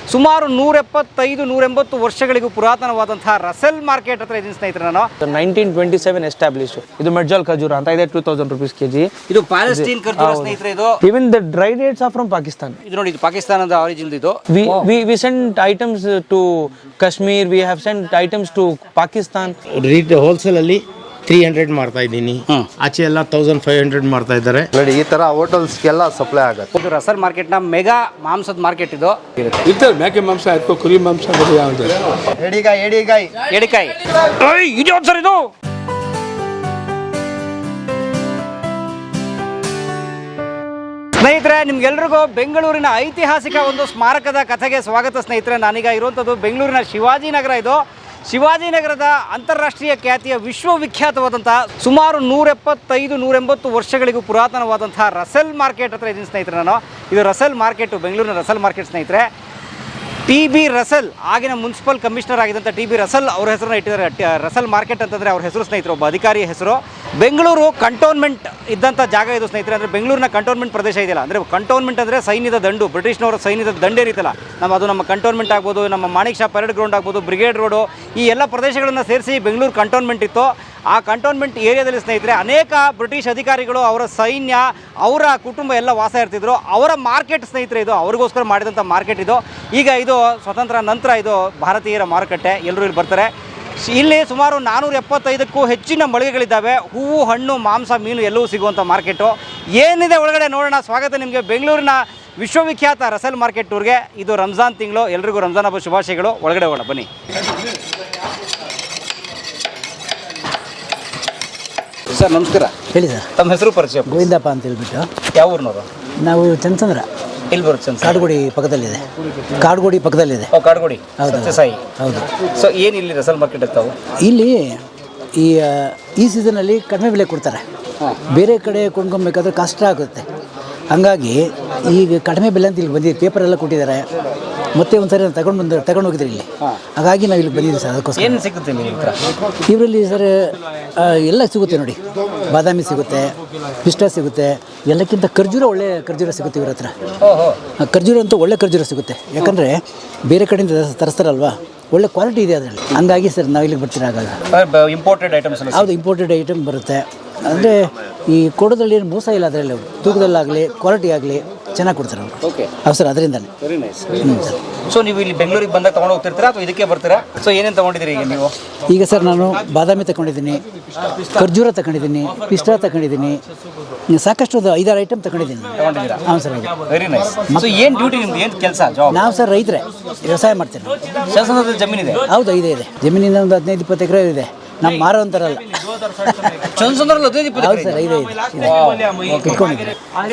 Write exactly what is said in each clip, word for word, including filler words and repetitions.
ಸುಮಾರು ನೂರ ಎಪ್ಪತ್ತೈದು ನೂರ ಎಂಬತ್ತು ವರ್ಷಗಳಿಗೂ ಪುರಾತನವಾದಂತಹ ರಸೆಲ್ ಮಾರ್ಕೆಟ್ ಹತ್ರ ಇದೀನಿ ಸ್ನೇಹಿತರೆ. ನಾನು ನೈನ್ಟೀನ್ ಟ್ವೆಂಟಿ ಸೆವೆನ್ ಎಸ್ಟಾಬ್ಲಿಷ್. ಇದು ಮೆಡ್ಜಾಲ್ ಖಜೂರ ಅಂತ ಇದೆ, ಟೂ ತೌಸಂಡ್ ರುಪೀಸ್ ಕೆಜಿ. ಇದು ಪ್ಯಾಲೆಸ್ಟೈನ್ ಖರ್ಜೂರ ಸ್ನೇಹಿತರೆ. ಇದು even the dry dates are from Pakistan. ಇದು ನೋಡಿ, ಇದು ಪಾಕಿಸ್ತಾನದ ಆರಿಜಿನ್. ಇದು we we we send items to Kashmir, we have send items to Pakistan. Retail wholesale ಅಲ್ಲಿ ತ್ರೀ ಹಂಡ್ರೆಡ್ ಮಾಡ್ತಾ ಇದ್ದೀನಿ, ಆಚೆ ಎಲ್ಲ ತೌಸಂಡ್ ಫೈವ್ ಹಂಡ್ರೆಡ್ ಮಾಡ್ತಾ ಇದ್ದಾರೆ. ನೋಡಿ, ಈ ತರ ಹೋಟೆಲ್ಸ್ಗೆಲ್ಲ ಸಪ್ಲೈ ಆಗುತ್ತೆ. ಇದು ರಸಲ್ ಮಾರ್ಕೆಟ್ ನ ಮೆಗಾ ಮಾಂಸದ ಮಾರ್ಕೆಟ್. ಇದು ಇರ್ತದೆ ಮೇಕೆ ಮಾಂಸ ಆಯ್ತು, ಕುರಿ ಮಾಂಸ, ಎಡಿಗಾಯಿ ಎಡಿಗಾಯಿ ಎಡಿಕಾಯಿ ಇದು ಯಾವ್ದು ಸರ್? ಇದು ಸ್ನೇಹಿತರೆ, ನಿಮ್ಗೆಲ್ರಿಗೂ ಬೆಂಗಳೂರಿನ ಐತಿಹಾಸಿಕ ಒಂದು ಸ್ಮಾರಕದ ಕಥೆಗೆ ಸ್ವಾಗತ ಸ್ನೇಹಿತರೆ. ನಾನೀಗ ಇರುವಂಥದ್ದು ಬೆಂಗಳೂರಿನ ಶಿವಾಜಿನಗರ. ಇದು ಶಿವಾಜಿನಗರದ ಅಂತಾರಾಷ್ಟ್ರೀಯ ಖ್ಯಾತಿಯ ವಿಶ್ವವಿಖ್ಯಾತವಾದಂತಹ ಸುಮಾರು ನೂರ ಎಪ್ಪತ್ತೈದು ನೂರ ಎಂಬತ್ತು ವರ್ಷಗಳಿಗೂ ಪುರಾತನವಾದಂತಹ ರಸೆಲ್ ಮಾರ್ಕೆಟ್ ಹತ್ರ ಇದೀನಿ ಸ್ನೇಹಿತರೆ. ನಾನು ಇದು ರಸೆಲ್ ಮಾರ್ಕೆಟು, ಬೆಂಗಳೂರಿನ ರಸೆಲ್ ಮಾರ್ಕೆಟ್ ಸ್ನೇಹಿತರೆ. ಟಿ ಬಿ ರಸೆಲ್, ಆಗಿನ ಮುನ್ಸಿಪಲ್ ಕಮಿಷನರ್ ಆಗಿದ್ದಂಥ ಟಿ ಬಿ ರಸೆಲ್ ಅವರ ಹೆಸರನ್ನ ಇಟ್ಟಿದ್ದಾರೆ. ರಸೆಲ್ ಮಾರ್ಕೆಟ್ ಅಂತಂದರೆ ಅವ್ರ ಹೆಸರು ಸ್ನೇಹಿತರು, ಒಬ್ಬ ಅಧಿಕಾರಿಯ ಹೆಸರು. ಬೆಂಗಳೂರು ಕಂಟೋನ್ಮೆಂಟ್ ಇದ್ದಂಥ ಜಾಗ ಇದು ಸ್ನೇಹಿತರೆ. ಅಂದರೆ ಬೆಂಗಳೂರಿನ ಕಂಟೋನ್ಮೆಂಟ್ ಪ್ರದೇಶ ಇದೆಯಲ್ಲ, ಅಂದರೆ ಕಂಟೋನ್ಮೆಂಟ್ ಅಂದರೆ ಸೈನ್ಯದ ದಂಡು, ಬ್ರಿಟಿಷ್ನವರ ಸೈನ್ಯದ ದಂಡು ಏನಿತ್ತಲ್ಲ, ನಮ್ಮ ಅದು ನಮ್ಮ ಕಂಟೋನ್ಮೆಂಟ್ ಆಗ್ಬೋದು, ನಮ್ಮ ಮಾಣಿಕ್ ಶಾ ಪರೇಡ್ ಗ್ರೌಂಡ್ ಆಗ್ಬೋದು, ಬ್ರಿಗೇಡ್ ರೋಡು, ಈ ಎಲ್ಲ ಪ್ರದೇಶಗಳನ್ನು ಸೇರಿಸಿ ಬೆಂಗಳೂರು ಕಂಟೋನ್ಮೆಂಟ್ ಇತ್ತು. ಆ ಕಂಟೋನ್ಮೆಂಟ್ ಏರಿಯಾದಲ್ಲಿ ಸ್ನೇಹಿತರೆ ಅನೇಕ ಬ್ರಿಟಿಷ್ ಅಧಿಕಾರಿಗಳು, ಅವರ ಸೈನ್ಯ, ಅವರ ಕುಟುಂಬ ಎಲ್ಲ ವಾಸ ಇರ್ತಿದ್ರು. ಅವರ ಮಾರ್ಕೆಟ್ ಸ್ನೇಹಿತರೆ ಇದು, ಅವ್ರಿಗೋಸ್ಕರ ಮಾಡಿದಂಥ ಮಾರ್ಕೆಟ್ ಇದು. ಈಗ ಇದು ಸ್ವತಂತ್ರ ನಂತರ ಇದು ಭಾರತೀಯರ ಮಾರುಕಟ್ಟೆ, ಎಲ್ಲರೂ ಇಲ್ಲಿ ಬರ್ತಾರೆ. ಇಲ್ಲಿ ಸುಮಾರು ನಾನ್ನೂರ ಎಪ್ಪತ್ತೈದಕ್ಕೂ ಹೆಚ್ಚಿನ ಮಳಿಗೆಗಳಿದ್ದಾವೆ. ಹೂವು, ಹಣ್ಣು, ಮಾಂಸ, ಮೀನು ಎಲ್ಲವೂ ಸಿಗುವಂಥ ಮಾರ್ಕೆಟು. ಏನಿದೆ ಒಳಗಡೆ ನೋಡೋಣ. ಸ್ವಾಗತ ನಿಮಗೆ ಬೆಂಗಳೂರಿನ ವಿಶ್ವವಿಖ್ಯಾತ ರಸೆಲ್ ಮಾರ್ಕೆಟ್ ಟೂರ್ಗೆ. ಇದು ರಂಜಾನ್ ತಿಂಗಳು, ಎಲ್ರಿಗೂ ರಂಜಾನ್ ಹಬ್ಬ ಶುಭಾಶಯಗಳು. ಒಳಗಡೆ ಹೋಗೋಣ ಬನ್ನಿ. ಸರ್ ನಮಸ್ಕಾರ. ಹೇಳಿ ಸರ್. ತಮ್ಮ ಹೆಸರು ಪರಿಚಯ? ಗೋವಿಂದಪ್ಪ ಅಂತ ಹೇಳ್ಬಿಟ್ಟು. ಯಾವ ಊರಿನವರು? ನಾವು ಚಂದ್ರಚಂದ್ರ. ಎಲ್ಲಿ ಬರುತ್ತೆ ಸರ್? ಕಾಡುಗೋಡಿ ಪಕ್ಕದಲ್ಲಿದೆ. ಕಾಡುಗೋಡಿ ಪಕ್ಕದಲ್ಲಿದೆ. ಓ, ಕಾಡುಗೋಡಿ. ಹೌದು ಸತ್ಯಸಾಯಿ. ಹೌದು. ಸೊ ಏನು ಇಲ್ಲಿ ರಸಲ್ ಮಾರ್ಕೆಟ್ ಇರ್ತಾವೆ? ಇಲ್ಲಿ ಈ ಈ ಸೀಸನಲ್ಲಿ ಕಡಿಮೆ ಬೆಲೆ ಕೊಡ್ತಾರೆ. ಬೇರೆ ಕಡೆ ಕೊಂಡ್ಕೊಬೇಕಾದ್ರೆ ಕಷ್ಟ ಆಗುತ್ತೆ. ಹಂಗಾಗಿ ಈಗ ಕಡಿಮೆ ಬೆಲೆ ಅಂತ ಇಲ್ಲಿ ಬಂದಿದೆ. ಪೇಪರ್ ಎಲ್ಲ ಕೊಟ್ಟಿದ್ದಾರೆ. ಮತ್ತೆ ಒಂದ್ಸರಿ ನಾನು ತಗೊಂಡು ಬಂದು ತಗೊಂಡು ಹೋಗಿದ್ರಿ ಇಲ್ಲಿ. ಹಾಗಾಗಿ ನಾವು ಇಲ್ಲಿ ಬಂದಿದ್ದೀವಿ ಸರ್. ಅದಕ್ಕೋಸ್ಕರ ಏನು ಸಿಗುತ್ತೆ ನಿಮ್ಮ ಹತ್ರ? ಇವರಲ್ಲಿ ಸರ್ ಎಲ್ಲ ಸಿಗುತ್ತೆ ನೋಡಿ. ಬಾದಾಮಿ ಸಿಗುತ್ತೆ, ಪಿಸ್ಟ ಸಿಗುತ್ತೆ, ಎಲ್ಲಕ್ಕಿಂತ ಖರ್ಜೂರ, ಒಳ್ಳೆ ಖರ್ಜೂರ ಸಿಗುತ್ತೆ ಇವ್ರ ಹತ್ರ. ಖರ್ಜೂರ ಅಂತೂ ಒಳ್ಳೆ ಖರ್ಜೂರ ಸಿಗುತ್ತೆ. ಯಾಕಂದರೆ ಬೇರೆ ಕಡೆಯಿಂದ ತರಿಸ್ತಾರಲ್ವಾ, ಒಳ್ಳೆ ಕ್ವಾಲಿಟಿ ಇದೆ ಅದರಲ್ಲಿ. ಹಂಗಾಗಿ ಸರ್ ನಾವು ಇಲ್ಲಿಗೆ ಬರ್ತೀರ. ಆಗಾಗ ಇಂಪೋರ್ಟೆಡ್ ಐಟಮ್ಸ್? ಹೌದು, ಇಂಪೋರ್ಟೆಡ್ ಐಟಮ್ ಬರುತ್ತೆ. ಅಂದರೆ ಈ ಕೊಡೋದ್ರಲ್ಲಿ ಏನು ಮೋಸ ಇಲ್ಲ ಅದರಲ್ಲಿ. ಅವರು ತೂಕದಲ್ಲಾಗಲಿ ಕ್ವಾಲಿಟಿ ಆಗಲಿ ಚೆನ್ನಾಗಿ ಕೊಡ್ತಾರೆ ಅವರು. ಓಕೆ. ಹೌದು ಸರ್, ಅದರಿಂದಲೇ. Very nice. ಹ್ಞೂ ಸರ್. ಸೊ ನೀವು ಇಲ್ಲಿ ಬೆಂಗಳೂರಿಗೆ ಬಂದಾಗ ತೊಗೊಂಡು ಹೋಗ್ತಿರ್ತೀರಾ ಅಥವಾ ಇದಕ್ಕೆ ಬರ್ತೀರಾ? ಸೊ ಏನೇನು ತೊಗೊಂಡಿದ್ದೀರಿ ಈಗ ನೀವು? ಈಗ ಸರ್ ನಾನು ಬಾದಾಮಿ ತಗೊಂಡಿದ್ದೀನಿ, ಖರ್ಜೂರ ತಗೊಂಡಿದ್ದೀನಿ, ಪಿಸ್ತಾ ತಗೊಂಡಿದ್ದೀನಿ, ಸಾಕಷ್ಟು ಒಂದು ಐದಾರು ಐಟಮ್ ತಗೊಂಡಿದ್ದೀನಿ. ತಗೊಂಡಿದ್ದೀರಾ? ಹಾಂ ಸರ್. Very nice. ಸೊ ಏನು ಡ್ಯೂಟಿ ನಿಮ್ದು, ಏನು ಕೆಲಸ, ಜಾಬ್? ನಾವು ಸರ್ ರೈತರೇ, ವ್ಯವಸಾಯ ಮಾಡ್ತೀನಿ. ಶಾಸನದ ಜಮೀನಿದೆ? ಹೌದು, ಇದೆ ಇದೆ. ಜಮೀನಿನ ಒಂದು ಹದಿನೈದು ಇಪ್ಪತ್ತು ಎಕರೆ ಇದೆ. ನಮ್ಮ ಮಾರೋ ಅಂತಾರಲ್ಲ. ಚಂದ್ರಸಂದ್ರಲ್ಲಿ ಹದಿನೈದು ಇಪ್ಪತ್ತು? ಹೌದು ಸರ್, ಇದೆ ಇದೆ. ಇಟ್ಕೊಂಡಿದ್ದೀನಿ.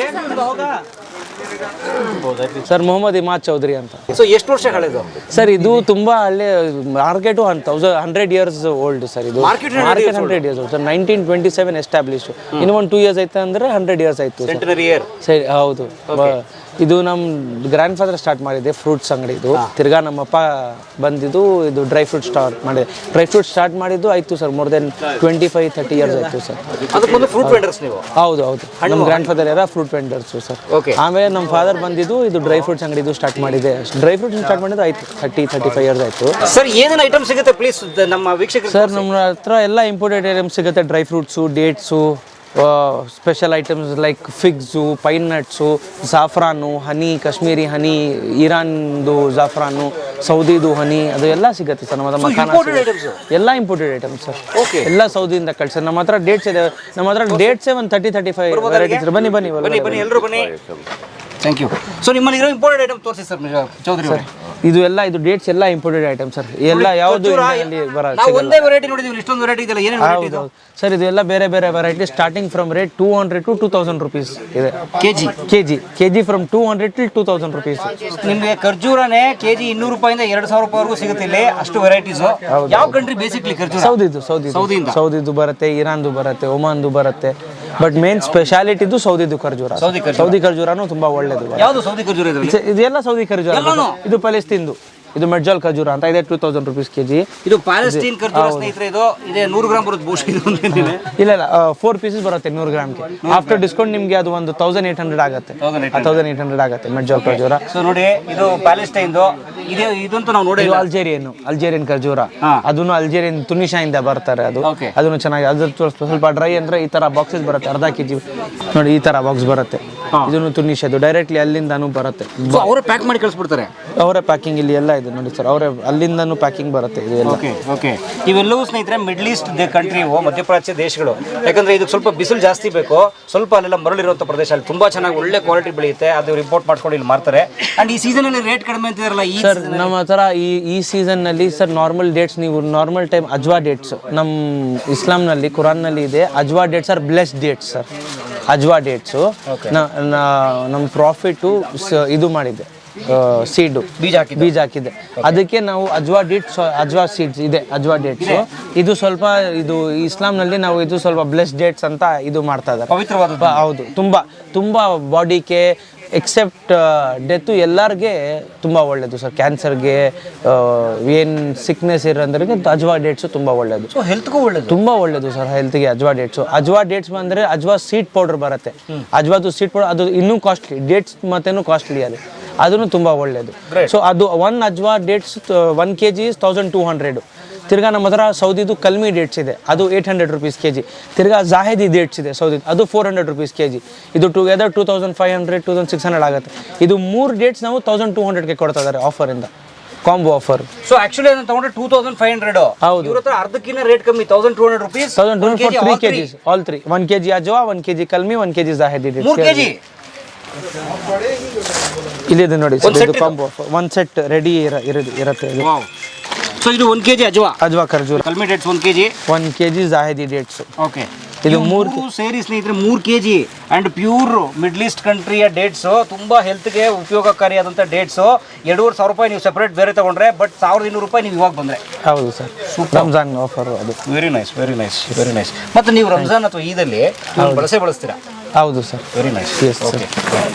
ಸರ್ ಮೊಹಮ್ಮದ್ ಇಮಾದ್ ಚೌಧರಿ ಅಂತ. ಸೊ ಎಷ್ಟು ವರ್ಷ ಹಳೆದು ಸರ್ ಇದು? ತುಂಬಾ ಹಳ್ಳಿ market thousand hundred years old sir. ಇದು market hundred years sir. Nineteen twenty seven establish. ಇನ್ನು ಒಂದು ಟೂ ಇಯರ್ಸ್ ಆಯ್ತು ಅಂದ್ರೆ ಹಂಡ್ರೆಡ್ ಇಯರ್ಸ್ ಆಯ್ತು ಸರ್. ಹೌದು. ಇದು ನಮ್ಮ ಗ್ರ್ಯಾಂಡ್ ಫಾದರ್ ಸ್ಟಾರ್ಟ್ ಮಾಡಿದೆ ಫ್ರೂಟ್ಸ್ ಅಂಗಡಿ. ಇದು ತಿರ್ಗಾ ನಮ್ಮಪ್ಪ ಬಂದಿದ್ದು ಇದು ಡ್ರೈ ಫ್ರೂಟ್ ಸ್ಟಾರ್ಟ್ ಮಾಡಿದೆ. ಡ್ರೈ ಫ್ರೂಟ್ ಸ್ಟಾರ್ಟ್ ಮಾಡಿದ್ದು ಆಯ್ತು sir more then twenty five thirty years ಆಯ್ತು ಸರ್. ಹೌದು ಹೌದು. ನಮ್ಮ ಗ್ರ್ಯಾಂಡ್ ಫಾದರ್ ಯಾರ ಫ್ರೂಟ್ ವೆಂಡರ್ಸು ಸರ್. ಆಮೇಲೆ ನಮ್ಮ ಫಾದರ್ ಬಂದಿದ್ದು ಇದು ಡ್ರೈ ಫ್ರೂಟ್ಸ್ ಅಂಗಡಿ ಇದು ಸ್ಟಾರ್ಟ್ ಮಾಡಿದೆ. ಡ್ರೈ ಫ್ರೂಟ್ಸ್ ಸ್ಟಾರ್ಟ್ ಮಾಡಿದ್ದು ಆಯ್ತು ಥರ್ಟಿ ತರ್ಟಿ ಫೈವ್ ಇಯರ್ಸ್ ಆಯ್ತು ಸರ್. ಏನೇನು ಐಟಮ್ ಸಿಗುತ್ತೆ ಪ್ಲೀಸ್ ನಮ್ಮ ವೀಕ್ಷಕರು? ಸರ್ ನಮ್ಮ ಹತ್ರ ಎಲ್ಲ ಇಂಪೋರ್ಟೆಡ್ ಐಟಮ್ಸ್ ಸಿಗುತ್ತೆ. Dry fruits, dates, special items like figs, pine nuts, ಜಾಫ್ರಾನು, ಹನಿ, ಕಾಶ್ಮೀರಿ ಹನಿ, ಇರಾನ್ದು ಜಾಫ್ರಾನು, ಸೌದಿದು ಹನಿ, ಅದು ಎಲ್ಲ ಸಿಗುತ್ತೆ ಸರ್. ನಮ್ಮ ಹತ್ರ ಮಖಾನ ಎಲ್ಲ ಇಂಪೋರ್ಟೆಡ್ ಐಟಮ್ಸ್ ಸರ್. ಎಲ್ಲ ಸೌದಿಯಿಂದ ಕಳ್ಸರ್. ನಮ್ಮ ಹತ್ರ ಡೇಟ್ಸ್ ಇದೆ. ನಮ್ಮ ಹತ್ರ ಡೇಟ್ಸೇ ಒಂದು ತರ್ಟಿ ತರ್ಟಿ ಫೈವ್ ವೆರೈಟೀಸ್. ಬನ್ನಿ ಬನ್ನಿ ಬನ್ನಿ ಎಲ್ಲರೂ ಬನ್ನಿ. Thank you. ಸೊ ನಿಮ್ಮಲ್ಲಿ ಇರೋ ಇಂಪೋರ್ಟೆಡ್ ಐಟಮ್ ತೋರಿಸಿ ಸರ್ ಚೌಧರಿ ಅವರೇ. ಇದು ಎಲ್ಲ ಇದು ಡೇಟ್ಸ್ ಎಲ್ಲ ಇಂಪೋರ್ಟೆಡ್ ಐಟಮ್ ಸರ್. ಎಲ್ಲ ಯಾವುದು ಒಂದೇ ವೆರೈಟಿ ನೋಡಿದೀವಿ, ಇಷ್ಟೊಂದು ವೆರೈಟಿ ಇದೆಲ್ಲ. ಏನೇನು ವೆರೈಟಿ ಇದೆ ಸರ್? ಇದು ಎಲ್ಲ ಬೇರೆ ಬೇರೆ variety starting from rate two hundred to two thousand rupees ಇದೆ. KG KG KG from two hundred till two thousand rupees. ನಿಮಗೆ ಖರ್ಜೂರನೇ ಕೆಜಿ ಇನ್ನೂರು ರೂಪಾಯಿಂದ ಎರಡು ಸಾವಿರ ರೂಪಾಯಿವರೆಗೂ ಸಿಗುತ್ತೆ ಇಲ್ಲಿ. ಅಷ್ಟು ವೆರೈಟೀಸ್. ಯಾವ ಕಂಟ್ರಿ ಬೇಸಿಕ್ಲಿ ಖರ್ಜೂರ? ಸೌದಿದು ಸೌದಿ ಸೌದಿಯಿಂದ ಸೌದಿದು ಬರುತ್ತೆ, ಇರಾನ್ದು ಬರುತ್ತೆ, ಒಮಾನ್ದು ಬರುತ್ತೆ. ಬಟ್ ಮೇನ್ ಸ್ಪೆಷಾಲಿಟಿದು ಸೌದಿದು ಖರ್ಜೂರ. ಸೌದಿ ಖರ್ಜೂರನು ತುಂಬಾ ಒಳ್ಳೇದು. ಯಾವುದು ಸೌದಿ ಖರ್ಜೂರ? ಇದೆಲ್ಲ ಸೌದಿ ಖರ್ಜೂರ. ಇದು ಪ್ಯಾಲೆಸ್ತೀನ್ದು. ಇದು ಮೆಡ್ಜಾಲ್ ಖಜೂರ ಅಂತ ಇದೆ, two thousand rupees K G. ಇದು ಪ್ಯಾಲೆಸ್ಟೈನ್ ಖರ್ಜೂರ ಸ್ನೇಹಿತರೆ, ಇದು ಇದೆ ನೂರು ಗ್ರಾಮ್ ಬರುತ್ತೆ ಬಹುಶಃ ಇದು ಅಂತಿದ್ದೀನಿ. ಇಲ್ಲ ಇಲ್ಲ ಫೋರ್ ಪೀಸಸ್ ಬರುತ್ತೆ ನೂರು ಗ್ರಾಮ್ಗೆ. ಆಫ್ಟರ್ ಡಿಸ್ಕೌಂಟ್ ನಿಮಗೆ ಅದು ಒಂದು ತೌಸಂಡ್ ಏಟ್ ಹಂಡ್ರೆಡ್ ಆಗುತ್ತೆ, ತೌಸಂಡ್ ಏಟ್ ಹಂಡ್ರೆಡ್ ಆಗುತ್ತೆ ಮೆಡ್ಜಾಲ್ ಖಜೂರ. ಸೊ ನೋಡಿ ಇದು ಪ್ಯಾಲೆಸ್ಟೈನ್ದು, ಇದು ಇದಂತೂ ನಾವು ನೋಡಿ ಇದು ಅಲ್ಜೇರಿಯನ್ ಅಲ್ಜೇರಿಯನ್ ಖಜೂರ, ಅದನ್ನು ಅಲ್ಜೇರಿಯನ್ ತುನಿಷಾಯಿಂದ ಬರ್ತಾರೆ. ಅದು Okay. ಅದನ್ನು ಚೆನ್ನಾಗಿ, ಅದ್ರ ಸ್ವಲ್ಪ ಡ್ರೈ ಅಂದ್ರೆ ಈ ತರ ಬಾಕ್ಸಸ್ ಬರುತ್ತೆ, ಅರ್ಧ ಕೆಜಿ ನೋಡಿ ಈ ತರ ಬಾಕ್ಸ್ ಬರುತ್ತೆ. ಇದನ್ನು ತುನಿಷದು ಡೈರೆಕ್ಟ್ಲಿ ಅಲ್ಲಿಂದಾನು ಬರುತ್ತೆ, ಅವರೇ ಪ್ಯಾಕ್ ಮಾಡಿ ಕಳಿಸ್ಬಿಡ್ತಾರೆ. ಅವರೇ ಪ್ಯಾಕಿಂಗ್ ಇಲ್ಲಿ ಎಲ್ಲ ಇದೆ ನೋಡಿ ಸರ್, ಅವರೇ ಅಲ್ಲಿಂದಾನು ಪ್ಯಾಕಿಂಗ್ ಬರುತ್ತೆ ಇದು ಎಲ್ಲ. ಓಕೆ ಓಕೆ ಇವೆಲ್ಲವೂ ಸ್ನೇಹಿತರೆ ಮಿಡ್ಲ್ ಈಸ್ಟ್ ಕಂಟ್ರಿ ಇವು, ಮಧ್ಯಪ್ರಾಚ್ಯ ದೇಶಗಳು. ಯಾಕಂದ್ರೆ ಇದು ಸ್ವಲ್ಪ ಬಿಸಿಲು ಜಾಸ್ತಿ ಬೇಕು, ಸ್ವಲ್ಪ ಅಲ್ಲೆಲ್ಲ ಮರಳಿರುವಂಥ ಪ್ರದೇಶ, ಅಲ್ಲಿ ತುಂಬಾ ಚೆನ್ನಾಗಿ ಒಳ್ಳೆ ಕ್ವಾಲಿಟಿ ಬೆಳೆಯುತ್ತೆ. ಅದು ರಿಪೋರ್ಟ್ ಮಾಡ್ಕೊಂಡು ಇಲ್ಲಿ ಮಾರ್ತಾರೆ. ಅಂಡ್ ಈ ಸೀಸನ್ ಅಲ್ಲಿ ರೇಟ್ ಕಡಿಮೆ ಅಂತಿದಾರಲ್ಲ ಈ ಸರ್ ನಮ್ಮ ಹತ್ರ ಈ ಈ ಸೀಸನ್ ನಲ್ಲಿ ಸರ್ ನಾರ್ಮಲ್ ಡೇಟ್ಸ್, ನೀವು ನಾರ್ಮಲ್ ಟೈಮ್ ಅಜ್ವಾ ಡೇಟ್ಸ್ ನಮ್ಮ ಇಸ್ಲಾಂನಲ್ಲಿ ಕುರಾನ್ನಲ್ಲಿ ಇದೆ, Ajwa dates are blessed dates sir. Ajwa dates ನಮ್ಮ ಪ್ರಾಫಿಟ್ಟು ಇದು ಮಾಡಿದೆ, ಸೀಡು ಬೀಜ ಹಾಕಿ ಬೀಜ ಹಾಕಿದೆ, ಅದಕ್ಕೆ ನಾವು ಅಜ್ವಾ ಡೇಟ್ಸ್ ಅಜ್ವಾ ಸೀಡ್ಸ್ ಇದೆ, ಅಜ್ವಾ ಡೇಟ್ಸ್. ಇದು ಸ್ವಲ್ಪ ಇದು ಇಸ್ಲಾಂನಲ್ಲಿ ನಾವು ಇದು ಸ್ವಲ್ಪ ಬ್ಲೆಸ್ ಡೇಟ್ಸ್ ಅಂತ ಇದು ಮಾಡ್ತಾ ಇದ್ದಾರೆ, ಪವಿತ್ರವಾದ. ಹೌದು, ತುಂಬಾ ತುಂಬಾ ಬಾಡಿಗೆ ಎಕ್ಸೆಪ್ಟ್ ಡೆತ್ತು ಎಲ್ಲರಿಗೆ ತುಂಬ ಒಳ್ಳೆಯದು ಸರ್. ಕ್ಯಾನ್ಸರ್ಗೆ ಏನು ಸಿಕ್ನೆಸ್ ಇರೋಂದ್ರಿಗೆ ಅಜ್ವಾ ಡೇಟ್ಸು ತುಂಬ ಒಳ್ಳೆಯದು, ಹೆಲ್ತ್ಗೂ ಒಳ್ಳೇದು, ತುಂಬ ಒಳ್ಳೆಯದು ಸರ್ ಹೆಲ್ತ್ಗೆ ಅಜ್ವಾ ಡೇಟ್ಸು. ಅಜ್ವಾ ಡೇಟ್ಸ್ ಬಂದರೆ ಅಜ್ವಾ ಸೀಡ್ ಪೌಡರ್ ಬರುತ್ತೆ, ಅಜ್ವಾದು ಸೀಡ್ ಪೌಡರ್ ಅದು ಇನ್ನೂ ಕಾಸ್ಟ್ಲಿ, ಡೇಟ್ಸ್ ಮತ್ತೇನು ಕಾಸ್ಟ್ಲಿ ಅದು, ಅದನ್ನು ತುಂಬ ಒಳ್ಳೆಯದು. ಸೊ ಅದು one Ajwa dates one K G is thousand two hundred. ತಿರ್ಗಾ ನಮ್ಮ ಹತ್ರ ಸೌದಿದು ಕಲ್ಮಿ ಡೇಟ್ಸ್ ಇದೆ, ಅದು eight hundred rupees K G. ತಿರ್ಗಾ ಜಾಹಿದಿ ಡೇಟ್ಸ್ ಇದೆ ಸೌದಿ, ಅದು four hundred rupees K G. ಇದು together two thousand five hundred two thousand six hundred ಆಗುತ್ತೆ. ಇದು ಮೂರು ಡೇಟ್ಸ್ ನಾವು ತೌಸಂಡ್ ಟೂ ಹಂಡ್ರೆಡ್ಗೆ ಕೊಡ್ತಾ ಇದ್ದಾರೆ ಆಫರಿಂದ, ಕಾಂಬೋ ಆಫರ್. ಸೊ ಆಕ್ಚುಲಿ ಅದನ್ನ ತಗೊಂಡ್ರೆ ಟೂ ತೌಸಂಡ್ ಫೈವ್ ಹಂಡ್ರೆಡ್. ಹೌದು, ಇವ್ರ ಹತ್ರ ಅರ್ಧಕ್ಕಿಂತ ರೇಟ್ ಕಮ್ಮಿ, thousand two hundred rupees, thousand two hundred three K Gs all three, one K G Ajwa, one K G Kalmi, one K G Zahidi dates. ಮೂರು KG ಇಲ್ಲಿದೆ ನೋಡಿ sir, ಇದು combo offer, one set ready ಇರುತ್ತೆ ಇದು. So ಇದು one KG Ajwa Ajwa ಖರ್ಜೂರ, Kalmi dates one KG, one K G Zahidi dates. Okay, ಇದು ಮೂರು ಸೇರಿ ಸ್ನೇಹಿತರೆ ಮೂರು K G and pure middle East ಕಂಟ್ರಿಯ dates, ತುಂಬಾ ಹೆಲ್ತ್ಗೆ ಉಪಯೋಗಕಾರಿಯಾದಂಥ ಡೇಟ್ಸು. ಎರಡೂವರೆ ಸಾವಿರ ರೂಪಾಯಿ ನೀವು ಸೆಪರೇಟ್ ಬೇರೆ ತಗೊಂಡ್ರೆ, ಬಟ್ ಸಾವಿರದ ಇನ್ನೂರು ರೂಪಾಯಿ ನೀವು ಇವಾಗ ಬಂದರೆ. ಹೌದು ಸರ್, ರಂಜಾನ್ ಆಫರ್ ಅದು. Very nice very nice very nice. ಮತ್ತು ನೀವು ರಂಜಾನ್ ಅಥವಾ ಈದಲ್ಲಿ ಬಳಸೇ ಬಳಸ್ತೀರಾ? ಹೌದು sir, very nice. Yes sir.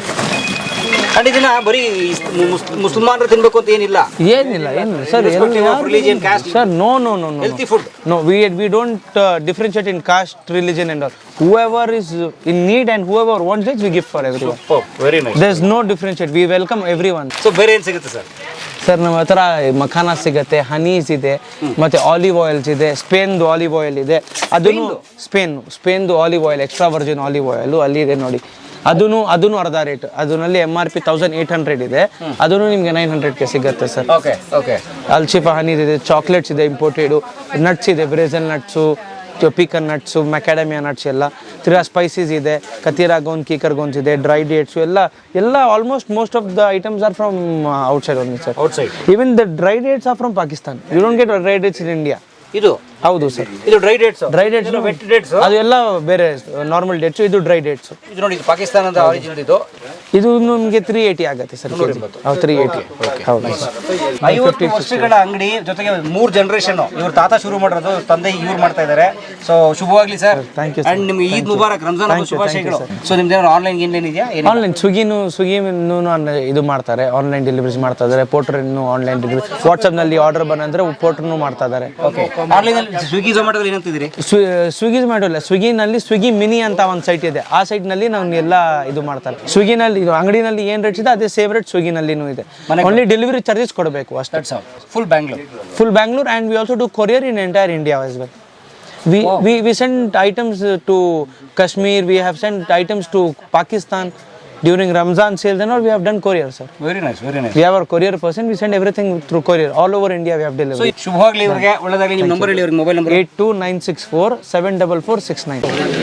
And ಇದನ್ನ ಬರೀ ಮುಸಲ್ಮಾನರು ತಿನ್ಬೇಕು ಅಂತ ಏನಿಲ್ಲ, ಏನಿಲ್ಲ ಏನಿಲ್ಲ sir, religion, caste sir, no no no no healthy food. No, we we don't uh, differentiate in caste, religion and all. Whoever is in need and whoever wants it, we give for everyone. Very nice. There's no differentiate. We welcome everyone. So ಬೇರೆ ಏನು ಸಿಗುತ್ತೆ sir? Sir ನಮ್ಮ ಹತ್ರ ಮಖಾನ ಸಿಗುತ್ತೆ, ಹನೀಸ್ ಇದೆ, ಮತ್ತೆ olive oils ಇದೆ, ಸ್ಪೇನ್ದು olive oil ಇದೆ, ಅದನ್ನು ಸ್ಪೇನ್ ಸ್ಪೇನ್ದು olive oil, extra virgin olive oil ಅಲ್ಲಿ ಇದೆ ನೋಡಿ. ಅದನ್ನು ಅದನ್ನು ಅರ್ಧ ರೇಟ್, ಅದರಲ್ಲಿ M R P thousand eight hundred ಇದೆ, ಅದನ್ನು ನಿಮಗೆ ನೈನ್ ಹಂಡ್ರೆಡ್ಗೆ ಸಿಗುತ್ತೆ ಸರ್. Okay okay. ಅಲ್ಶಿಫಾ ಹನೀಸ್ ಇದೆ, ಚಾಕ್ಲೇಟ್ಸ್ ಇದೆ ಇಂಪೋರ್ಟೆಡು, ನಟ್ಸ್ ಇದೆ, Brazil nuts, pecan nuts, macadamia nuts ಎಲ್ಲ, ತಿರ್ಗಾ ಸ್ಪೈಸೀಸ್ ಇದೆ, ಕತೀರಾ ಗೋನ್, ಕೀಕರ್ ಗೋನ್ಸ್ ಇದೆ, ಡ್ರೈ ಡೇಟ್ಸು ಎಲ್ಲ ಎಲ್ಲ almost most of the items are from outside only sir. Outside. Even the dry dates are from Pakistan. You don't get dry dates in India. ಇದು ಹೌದು sir, ಇದು dry dates. Dry dates, wet dates ಅದು ಎಲ್ಲ ಬೇರೆ normal dates, ಇದು dry dates. ಇದು ನೋಡಿ, ಇದು ಪಾಕಿಸ್ತಾನದ ಆರಿಜಿನ್. ಇದು ಇದು ನಿಮಗೆ ತ್ರೀ ಏಯ್ಟಿ ಆಗುತ್ತೆ ಸರ್, ತ್ರೀ ಏಯ್ಟಿ. ಹೌದು, ಐವತ್ತು ವರ್ಷಗಳ ಅಂಗಡಿ ಜೊತೆಗೆ ಮೂರು ಜನರೇಷನ್, ಇವ್ರ ತಾತ ಶುರು ಮಾಡಿರೋದು, ತಂದೆ ಇವ್ರು ಮಾಡ್ತಾ ಇದ್ದಾರೆ. ಸೊ ಶುಭವಾಗ್ಲಿ ಸರ್. Thank you. ಅಂಡ್ ನಿಮ್ಗೆ ಈದ್ ಮುಬಾರಕ್, ರಂಜಾನ್ ಹಬ್ಬದ ಶುಭಾಶಯಗಳು. ಸೊ ನಿಮ್ದು ಏನಾದ್ರು ಆನ್ಲೈನ್ ಏನೇನು ಇದೆಯಾ? ಆನ್ಲೈನ್ ಸ್ವಿಗ್ಗಿನೂ ಸ್ವಿಗ್ಗಿನೂ ಇದು ಮಾಡ್ತಾರೆ, ಆನ್ಲೈನ್ ಡೆಲಿವರೀಸ್ ಮಾಡ್ತಾ ಇದ್ದಾರೆ. ಪೋರ್ಟರ್ನು ಆನ್ಲೈನ್ ಡೆಲಿವರಿ, ವಾಟ್ಸಪ್ನಲ್ಲಿ ಆರ್ಡರ್ ಬಂದರೆ ಪೋರ್ಟರ್ನು ಮಾಡ್ತಾ ಇದ್ದಾರೆ. ಓಕೆ, ಆನ್ಲೈನಲ್ಲಿ ಸ್ವಿಗ್ಗಿ ಝೊಮ್ಯಾಟೋದಲ್ಲಿ ಏನಂತಿದ್ದೀರಿ? ಸ್ವಿಗ್ಗಿ ಝೊಮ್ಯಾಟೋ ಸ್ವಿಗ್ಗಿನಲ್ಲಿ ಸ್ವಿಗ್ಗಿ ಮಿನಿ ಅಂತ ಒಂದು ಸೈಟ್ ಇದೆ, ಆ ಸೈಟ್ನಲ್ಲಿ ನಾವು ಎಲ್ಲ ಇದು ಮಾಡ್ತಾರೆ. ಸ್ವಿಗ್ಗಿನಲ್ಲಿ ಇದು ಅಂಗಡಿನಲ್ಲಿ ಏನು ರೇಟ್ಸ್ ಇದೆ ಅದೇ ಸೇಮ್ ರೇಟ್ ಸ್ವಿಗ್ಗಿನಲ್ಲಿನೂ ಇದೆ, ಓನ್ಲಿ ಡೆಲಿವರಿ ಚಾರ್ಜಸ್ ಕೊಡಬೇಕು ಅಷ್ಟೇ. Full Bangalore, full Bangalore, and we also do courier in entire India as well. We, wow. we we send items to Kashmir, we have sent items to Pakistan during Ramzan sales and all. We have done courier, sir. Very nice, very nice. We have our courier person, we send everything through courier all over India. We have delivery. So ಶುಭವಾಗಲಿ ಇವರಿಗೆ, ಒಳ್ಳೆದಾಗಲಿ. ನಿಮ್ಮ number ಹೇಳಿ, ಇವರಿಗೆ mobile number. Eight two nine six four seven double four six nine.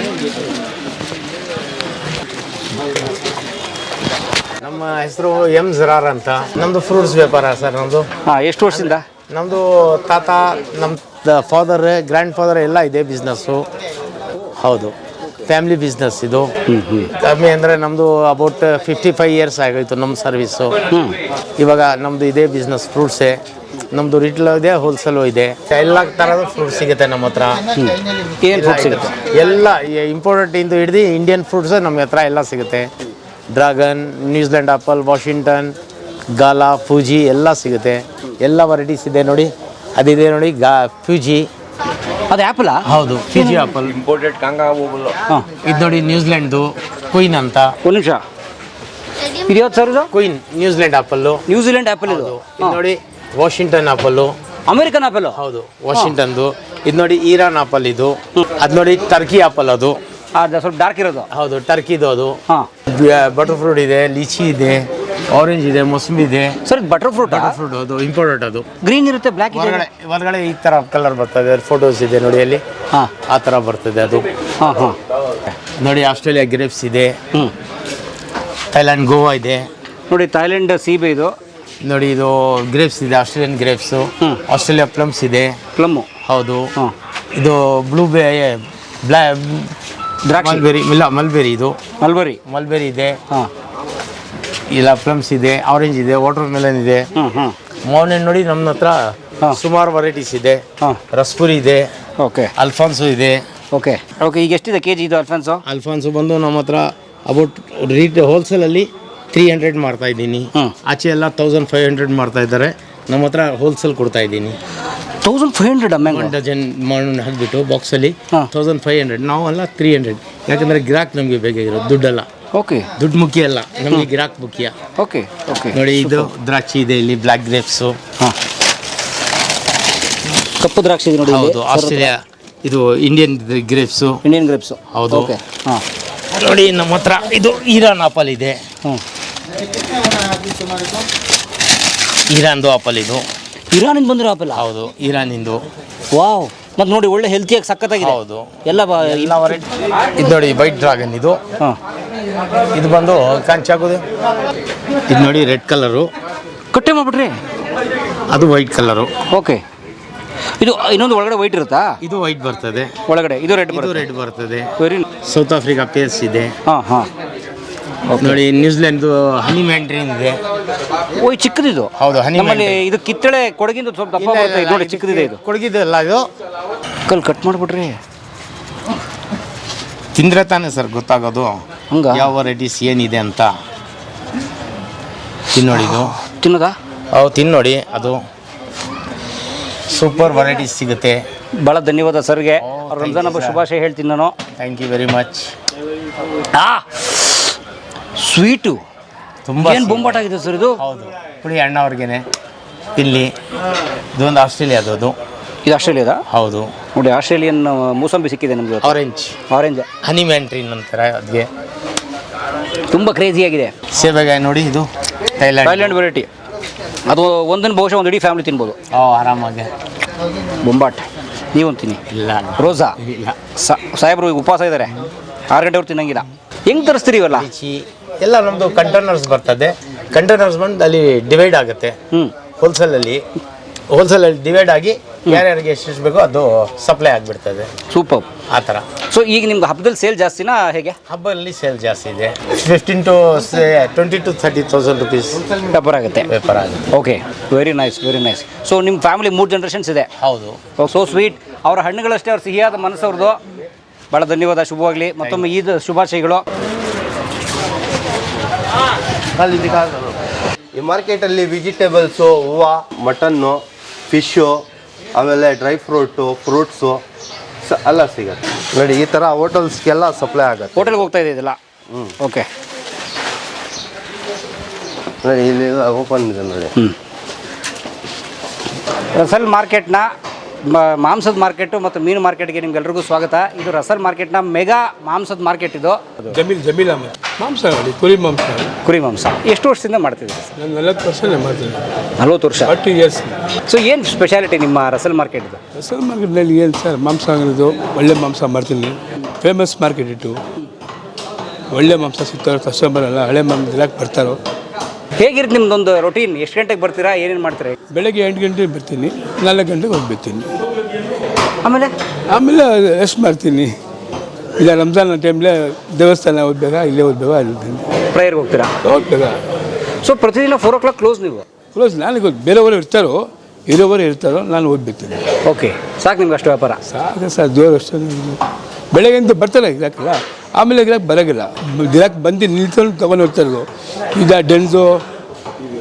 ನಮ್ಮ ಹೆಸರು M ಜರಾರ್ ಅಂತ. ನಮ್ಮದು fruits ವ್ಯಾಪಾರ ಸರ್ ನಮ್ಮದು. ಹಾಂ, ಎಷ್ಟು ವರ್ಷದಿಂದ? ನಮ್ಮದು ತಾತ, ನಮ್ಮ ಫಾದರ್, ಗ್ರ್ಯಾಂಡ್ ಫಾದರ್ ಎಲ್ಲ ಇದೆ ಬಿಸ್ನೆಸ್ಸು. ಹೌದು, ಫ್ಯಾಮಿಲಿ ಬಿಸ್ನೆಸ್ ಇದು. ಕಮ್ಮಿ ಅಂದರೆ ನಮ್ಮದು ಅಬೌಟ್ ಫಿಫ್ಟಿ ಫೈವ್ ಇಯರ್ಸ್ ಆಗೋಯ್ತು ನಮ್ಮ ಸರ್ವಿಸು. ಇವಾಗ ನಮ್ಮದು ಇದೇ ಬಿಸ್ನೆಸ್, ಫ್ರೂಟ್ಸೇ ನಮ್ಮದು. ರಿಟೇಲ್ ಇದೆ, ಹೋಲ್ಸೇಲು ಇದೆ, ಎಲ್ಲ ಥರದ ಫ್ರೂಟ್ಸ್ ಸಿಗುತ್ತೆ ನಮ್ಮ ಹತ್ರ. ಏನು ಫ್ರೂಟ್ ಸಿಗುತ್ತೆ? ಎಲ್ಲ ಇಂಪೋರ್ಟೆಡ್ ಇಂದು ಹಿಡಿದು ಇಂಡಿಯನ್ ಫ್ರೂಟ್ಸ್ ನಮ್ಮ ಹತ್ರ ಎಲ್ಲ ಸಿಗುತ್ತೆ. Dragon, New Zealand apple, Washington, gala Fuji ಎಲ್ಲ ಸಿಗುತ್ತೆ, ಎಲ್ಲ ವೆರೈಟೀಸ್ ಇದೆ ನೋಡಿ. ಅದಿದೆ ನೋಡಿ ಗಾ ಫ್ಯೂಜಿ. ಅದು ಆ್ಯಪಲಾ? ಹೌದು, ಫ್ಯೂಜಿ ಆಪಲ್. ಇಂಪೋರ್ಟೆಡ್ ಕಾಂಗಾ ಹೋಗಲ್ಲ. ಹಾಂ, ಇದು ನೋಡಿ ನ್ಯೂಜಿಲೆಂಡ್ದು ಕ್ವೀನ್ ಅಂತ. ಒಂದು ನಿಮಿಷ, ಇದು ಯಾವ್ದು ಸರ್? ಇದು ಕ್ವೀನ್ ನ್ಯೂಜಿಲೆಂಡ್ ಆಪಲ್ಲು. ನ್ಯೂಜಿಲೆಂಡ್ ಆ್ಯಪಲ್ ಇದು. ಇದು ನೋಡಿ ವಾಷಿಂಗ್ಟನ್ ಆಪಲ್ಲು. American apple? ಹೌದು, ವಾಷಿಂಗ್ಟನ್ದು. ಇದು ನೋಡಿ ಇರಾನ್ ಆಪಲ್ ಇದು. ಅದು ನೋಡಿ ಟರ್ಕಿ ಆಪಲ್ ಅದು. ಅದು ಸ್ವಲ್ಪ ಡಾರ್ಕ್ ಇರೋದು. ಹೌದು, ಟರ್ಕಿದು ಅದು. ಹಾಂ, ಬಟರ್ ಫ್ರೂಟ್ ಇದೆ, ಲಿಚಿ ಇದೆ, ಆರೆಂಜ್ ಇದೆ, ಮೊಸಂಬಿ ಇದೆ. ಸರ್ ಇದು ಬಟರ್ ಫ್ರೂಟ್. ಬಟರ್ ಫ್ರೂಟ್ ಅದು ಇಂಪೋರ್ಟೆಡ್ ಅದು. ಗ್ರೀನ್ ಇರುತ್ತೆ, ಬ್ಲ್ಯಾಕ್ ಇದೆ. ಹೊರಗಡೆ ಹೊರಗಡೆ ಈ ಥರ ಕಲರ್ ಬರ್ತದೆ, ಫೋಟೋಸ್ ಇದೆ ನೋಡಿ ಅಲ್ಲಿ. ಹಾಂ, ಆ ಥರ ಬರ್ತದೆ ಅದು. ಹಾಂ ಹಾಂ. ನೋಡಿ ಆಸ್ಟ್ರೇಲಿಯಾ ಗ್ರೇಪ್ಸ್ ಇದೆ, ಹ್ಞೂ, ಥೈಲ್ಯಾಂಡ್ ಗೋವಾ ಇದೆ. ನೋಡಿ ಥೈಲ್ಯಾಂಡ್ ಸೀಬೆ ಇದು. ನೋಡಿ ಇದು ಗ್ರೇಪ್ಸ್ ಇದೆ, ಆಸ್ಟ್ರೇಲಿಯನ್ ಗ್ರೇಪ್ಸು. ಆಸ್ಟ್ರೇಲಿಯಾ ಪ್ಲಮ್ಸ್ ಇದೆ. ಪ್ಲಮ್ಮು. ಹೌದು. ಹಾಂ, ಇದು ಬ್ಲೂ ಬೇ ಬ್ಲಾ ದ್ರಾಕ್ಷಿ. ಮಲ್ಬೆರಿ ಇಲ್ಲ ಮಲ್ಬೆರಿ ಇದು. ಮಲ್ಬರಿ. ಮಲ್ಬೆರಿ ಇದೆ. ಹಾಂ, ಇಲ್ಲ ಪ್ಲಮ್ಸ್ ಇದೆ, ಆರೆಂಜ್ ಇದೆ, ವಾಟರ್ ಮೆಲನ್ ಇದೆ. ಹ್ಞೂ ಹ್ಞೂ. ಮಾವಿನ ನೋಡಿ ನಮ್ಮ ಹತ್ರ ಹಾಂ. ಸುಮಾರು ವೆರೈಟೀಸ್ ಇದೆ. ಹಾಂ, ರಸ್ಪುರಿ ಇದೆ, ಓಕೆ ಅಲ್ಫಾನ್ಸು ಇದೆ. Okay okay. ಈಗ ಎಷ್ಟಿದೆ ಕೆ ಜಿ ಇದು ಅಲ್ಫಾನ್ಸು? ಅಲ್ಫಾನ್ಸು ಬಂದು ನಮ್ಮ ಹತ್ರ ಅಬೌಟ್ ರೀಟ್ ಹೋಲ್ಸೇಲಲ್ಲಿ ತ್ರೀ ಹಂಡ್ರೆಡ್ ಮಾಡ್ತಾ ಇದ್ದೀನಿ. ಹ್ಮ್. ಆಚೆ ಎಲ್ಲ ತೌಸಂಡ್ ಫೈವ್ ಹಂಡ್ರೆಡ್ ಮಾಡ್ತಾ ಇದ್ದಾರೆ. ನಮ್ಮ ಹತ್ರ ಹೋಲ್ಸೇಲ್ ಕೊಡ್ತಾ ಇದ್ದೀನಿ. ತೌಸಂಡ್ ಫೈವ್ ಹಂಡ್ರೆಡ್ ಅಮ್ಮ್ಯಾಂಗ ಒನ್ ಡಜನ್ ಮಣ್ಣು ಹಾಕಿಬಿಟ್ಟು ಬಾಕ್ಸಲ್ಲಿ ಹಾಂ. ತೌಸಂಡ್ ಫೈವ್ ಹಂಡ್ರೆಡ್ ನಾವೆಲ್ಲ ತ್ರೀ ಹಂಡ್ರೆಡ್. ಯಾಕಂದರೆ ಗಿರಾಕ್ ನಮಗೆ ಬೇಕಾಗಿರೋದು, ದುಡ್ಡಲ್ಲ. ಓಕೆ, ದುಡ್ಡು ಮುಖ್ಯ ಅಲ್ಲ, ನಮಗೆ ಗಿರಾಕ್ ಮುಖ್ಯ. Okay okay. ನೋಡಿ ಇದು ದ್ರಾಕ್ಷಿ ಇದೆ ಇಲ್ಲಿ, ಬ್ಲ್ಯಾಕ್ ಗ್ರೇಪ್ಸು. ಹಾಂ, ಕಪ್ಪು ದ್ರಾಕ್ಷಿ ಇದೆ ನೋಡಿ. ಹೌದು, ಆಸ್ಟ್ರೇಲಿಯಾ ಇದು ಇಂಡಿಯನ್ ಗ್ರೇಪ್ಸು. Indian grapes. ಹೌದು. ಓಕೆ. ಹಾಂ, ನೋಡಿ ನಮ್ಮ ಹತ್ರ ಇದು ಇರಾನ್ ಆಪಲ್ ಇದೆ. ಹ್ಞೂ. ಇರಾನ್ದು ಆಪಲ್ ಇದು. ಇರಾನಿಂದ ಬಂದಿರೋ ಆಪಲ್? ಹೌದು, ಇರಾನಿಂದು. ವಾವ್. ಮತ್ತು ನೋಡಿ ಒಳ್ಳೆ ಹೆಲ್ತಿಯಾಗಿ ಸಖತ್ತಾಗಿದೆ. ಹೌದು, ಎಲ್ಲ ಬ ಎಲ್ಲ ವೆರೈಟಿ. ಇದು ನೋಡಿ ವೈಟ್ ಡ್ರಾಗನ್ ಇದು. ಹಾಂ, ಇದು ಬಂದು ಕಂಚಾಗೋದು. ಇದು ನೋಡಿ ರೆಡ್ ಕಲರು. ಕಟ್ಟೆ ಮಾಡ್ಬಿಟ್ರಿ? ಅದು ವೈಟ್ ಕಲರು. ಓಕೆ. ಇದು ಇನ್ನೊಂದು ಒಳಗಡೆ ವೈಟ್ ಇರುತ್ತಾ? ಇದು ವೈಟ್ ಬರ್ತದೆ ಒಳಗಡೆ ಇದು ರೆಡ್ ಇದು ಬರುತ್ತೆ. ರೆಡ್ ಬರ್ತದೆ. ವೆರಿ. ಸೌತ್ ಆಫ್ರಿಕಾ ಪೇಸ್ ಇದೆ. ಹಾಂ ಹಾಂ. ನೋಡಿ ನ್ಯೂಜಿಲೆಂಡ್ದು ಹನಿ ಮ್ಯಾಂಡ್ರಿನ್ ಇದೆ. ಓ, ಈ ಚಿಕ್ಕದಿದು. ಹೌದು, ಹನಿ ನಮ್ಮಲ್ಲಿ ಇದು ಕಿತ್ತಳೆ ಕೊಡಗಿಂದ ಸ್ವಲ್ಪ ದಪ್ಪ ಬರುತ್ತೆ. ಇದು ನೋಡಿ ಚಿಕ್ಕದಿದೆ. ಇದು ಕೊಡಗಿದಲ್ಲ, ಇದು ಕಲ್ ಕಟ್ ಮಾಡಿಬಿಟ್ರಿ. ತಿಂದ್ರೆ ತಾನೇ ಸರ್ ಗೊತ್ತಾಗೋದು ಹಂಗ ಯಾವ ವೆರೈಟೀಸ್ ಏನಿದೆ ಅಂತ. ತಿನ್ನೋಡಿ, ಇದು ತಿನ್ನೋದಾ? ಹೌದು, ತಿನ್ನೋಡಿ. ಅದು ಸೂಪರ್ ವೆರೈಟೀಸ್ ಸಿಗುತ್ತೆ. ಭಾಳ ಧನ್ಯವಾದ ಸರ್ಗೆ. ರಂಜಾನ್ ಹಬ್ಬ ಶುಭಾಶಯ ಹೇಳ್ತೀನಿ ನಾನು. Thank you very much. ಆ ಸ್ವೀಟು ತುಂಬ ಏನು ಬೊಂಬಾಟಾಗಿದೆ ಸರ್ ಇದು. ಹೌದು, ಪುಡಿ ಅಣ್ಣವ್ರಿಗೇನೆ ತಿನ್ನಿ. ಇದೊಂದು ಆಸ್ಟ್ರೇಲಿಯಾದು ಅದು. ಇದು ಆಸ್ಟ್ರೇಲಿಯಾದ? ಹೌದು. ನೋಡಿ ಆಸ್ಟ್ರೇಲಿಯನ್ ಮೂಸಂಬಿ ಸಿಕ್ಕಿದೆ ನಮಗೆ. ಆರೆಂಜ್ ಆರೆಂಜ್ ಹನಿ ಮ್ಯಾಂಟ್ರಿನ್ ಅಂತಾರೆ ಅದಕ್ಕೆ. ತುಂಬ ಕ್ರೇಜಿಯಾಗಿದೆ. ಸೇಬೆಗಾಯಿ ನೋಡಿ, ಇದು ಥೈಲ್ಯಾಂಡ್ ಥೈಲ್ಯಾಂಡ್ ವೆರೈಟಿ. ಅದು ಒಂದನ್ನು ಬಹುಶಃ ಒಂದು ಇಡೀ ಫ್ಯಾಮಿಲಿ ತಿನ್ಬೋದು. ಓ, ಆರಾಮಾಗಿ. ಬೊಂಬಾಟ್ ನೀವೊಂದು ತಿನ್ನಿ. ಇಲ್ಲ ರೋಸಾ ಇಲ್ಲ. ಸಾಹೇಬ್ರು ಈಗ ಉಪವಾಸ ಇದ್ದಾರೆ, ಆರು ಗಂಟೆವ್ರು ತಿನ್ನಂಗಿಲ್ಲ. ಹೆಂಗೆ ತರಿಸ್ತೀರಿ ಇವೆಲ್ಲ? ಲಿಚಿ ಎಲ್ಲ ನಮ್ಮದು ಕಂಟೈನರ್ಸ್ ಬರ್ತದೆ. ಕಂಟೈನರ್ಸ್ ಬಂದು ಅಲ್ಲಿ ಡಿವೈಡ್ ಆಗುತ್ತೆ. ಹ್ಞೂ, ಹೋಲ್ಸೇಲಲ್ಲಿ ಹೋಲ್ಸೇಲಲ್ಲಿ ಡಿವೈಡ್ ಆಗಿ ಯಾರ್ಯಾರಿಗೆ ಎಷ್ಟೆಷ್ಟು ಬೇಕೋ ಅದು ಸಪ್ಲೈ ಆಗಿಬಿಡ್ತದೆ. ಸೂಪರ್. ಆ ಥರ. ಸೊ ಈಗ ನಿಮ್ಗೆ ಹಬ್ಬದಲ್ಲಿ ಸೇಲ್ ಜಾಸ್ತಿನಾ ಹೇಗೆ? ಹಬ್ಬದಲ್ಲಿ ಸೇಲ್ ಜಾಸ್ತಿ ಇದೆ. Fifteen to twenty to thirty thousand rupees ವ್ಯಾಪಾರ ಆಗುತ್ತೆ. ವ್ಯಾಪಾರ ಆಗುತ್ತೆ. Okay, very nice very nice. So ನಿಮ್ಮ ಫ್ಯಾಮಿಲಿ ಮೂರು ಜನ್ರೇಷನ್ಸ್ ಇದೆ. ಹೌದು. So sweet. ಅವರ ಹಣ್ಣುಗಳಷ್ಟೇ ಅವ್ರ ಸಿಹಿಯಾದ ಮನಸ್ಸವ್ರದ್ದು. ಭಾಳ ಧನ್ಯವಾದ, ಶುಭವಾಗಲಿ. ಮತ್ತೊಮ್ಮೆ ಈದ್ ಶುಭಾಶಯಗಳು. ಈ ಮಾರ್ಕೆಟಲ್ಲಿ ವೆಜಿಟೇಬಲ್ಸು, ಹೂವು, ಮಟನ್ನು, ಫಿಶ್ಶು, ಆಮೇಲೆ ಡ್ರೈ ಫ್ರೂಟು, ಫ್ರೂಟ್ಸು ಸ ಎಲ್ಲ ಸಿಗುತ್ತೆ ನೋಡಿ. ಈ ಥರ ಹೋಟೆಲ್ಸ್ಗೆಲ್ಲ ಸಪ್ಲೈ ಆಗುತ್ತೆ. ಹೋಟೆಲ್ಗೆ ಹೋಗ್ತಾ ಇದೆ ಇದೆಲ್ಲ? ಹ್ಞೂ, ಓಕೆ. ನೋಡಿ ಇಲ್ಲಿ ಓಪನ್ ಇದೆ ನೋಡಿ. ಹ್ಞೂ. ರಸಲ್ ಮಾರ್ಕೆಟ್ನ ಮಾಂಸದ ಮಾರ್ಕೆಟು ಮತ್ತು ಮೀನು ಮಾರ್ಕೆಟ್ಗೆ ನಿಮ್ಗೆಲ್ರಿಗೂ ಸ್ವಾಗತ. ಇದು ರಸಲ್ ಮಾರ್ಕೆಟ್ನ ಮೆಗಾ ಮಾಂಸದ ಮಾರ್ಕೆಟ್. ಇದು ಜಮೀಲ್ ಜಮೀಲ್ ಅಹಮದ್ ಮಾಂಸ ಮಾಡಿ ಕುರಿ ಮಾಂಸ. ಕುರಿ ಮಾಂಸ ಎಷ್ಟು ವರ್ಷದಿಂದ ಮಾಡ್ತಿದ್ದೀರಿ ಸರ್? ನಾನು ನಲವತ್ತು ವರ್ಷನೇ ಮಾಡ್ತೀನಿ. ನಲ್ವತ್ತು ವರ್ಷ. Forty years. ಸೊ ಏನು ಸ್ಪೆಷಾಲಿಟಿ ನಿಮ್ಮ ರಸಲ್ ಮಾರ್ಕೆಟ್ದು? ರಸಲ್ ಮಾರ್ಕೆಟ್ನಲ್ಲಿ ಏನು ಸರ್, ಮಾಂಸ ಅಂಗಡಿದು ಒಳ್ಳೆ ಮಾಂಸ ಮಾಡ್ತೀನಿ. ಫೇಮಸ್ ಮಾರ್ಕೆಟ್ ಇಟ್ಟು ಒಳ್ಳೆ ಮಾಂಸ ಸಿಗ್ತಾರೋ, ಕಸ್ಟಮರ್ ಎಲ್ಲ ಹಳೆ ಮಾಂಸ ತಿನ್ನಕ್ಕೆ ಬರ್ತಾರೋ. ಹೇಗಿರುತ್ತೆ ನಿಮ್ದೊಂದು ರೊಟೀನ್? ಎಷ್ಟು ಗಂಟೆಗೆ ಬರ್ತೀರಾ, ಏನೇನು ಮಾಡ್ತೀರಾ? ಬೆಳಗ್ಗೆ ಎಂಟು ಗಂಟೆಗೆ ಬರ್ತೀನಿ, ನಾಲ್ಕು ಗಂಟೆಗೆ ಹೋಗ್ಬಿಡ್ತೀನಿ. ಆಮೇಲೆ ಆಮೇಲೆ ರೆಸ್ಟ್ ಮಾಡ್ತೀನಿ. ಇಲ್ಲ ರಂಜಾನ್ ಟೈಮ್ಲೆ ದೇವಸ್ಥಾನ ಓದ್ಬೇಕಾ, ಇಲ್ಲೇ ಓದ್ಬೇಕಾ ಅಲ್ಲಿರ್ತೀನಿ. ಪ್ರೇಯರ್ಗೆ ಹೋಗ್ತೀರಾ? ಹೋಗ್ಬೇಕಾ. ಸೊ ಪ್ರತಿದಿನ ಫೋರ್ ಓ ಕ್ಲಾಕ್ ಕ್ಲೋಸ್ ನೀವು? ಕ್ಲೋಸ್. ನನಗೆ ಗೊತ್ತು, ಬೇರೆಯವರು ಇರ್ತಾರೋ ಇರೋವರು ಇರ್ತಾರೋ, ನಾನು ಓದ್ಬಿಡ್ತೀನಿ. ಓಕೆ, ಸಾಕು ನಿಮ್ಗೆ ಅಷ್ಟು ವ್ಯಾಪಾರ? ಸಾಕು ಸರ್, ಜೋರು ಅಷ್ಟು. ಬೆಳಗ್ಗೆ ಅಂತ ಬರ್ತಾರೆ ಗಿರಾಕಿಲ್ಲ, ಆಮೇಲೆ ಗಿರಾಕ್ ಬರೋಗಿಲ್ಲ. ಗಿರಾಕ್ ಬಂದು ನಿಲ್ಕೊಂಡು ತೊಗೊಂಡು ಹೋಗ್ತಾರೋ. ಈಗ ಡೆನ್ಸು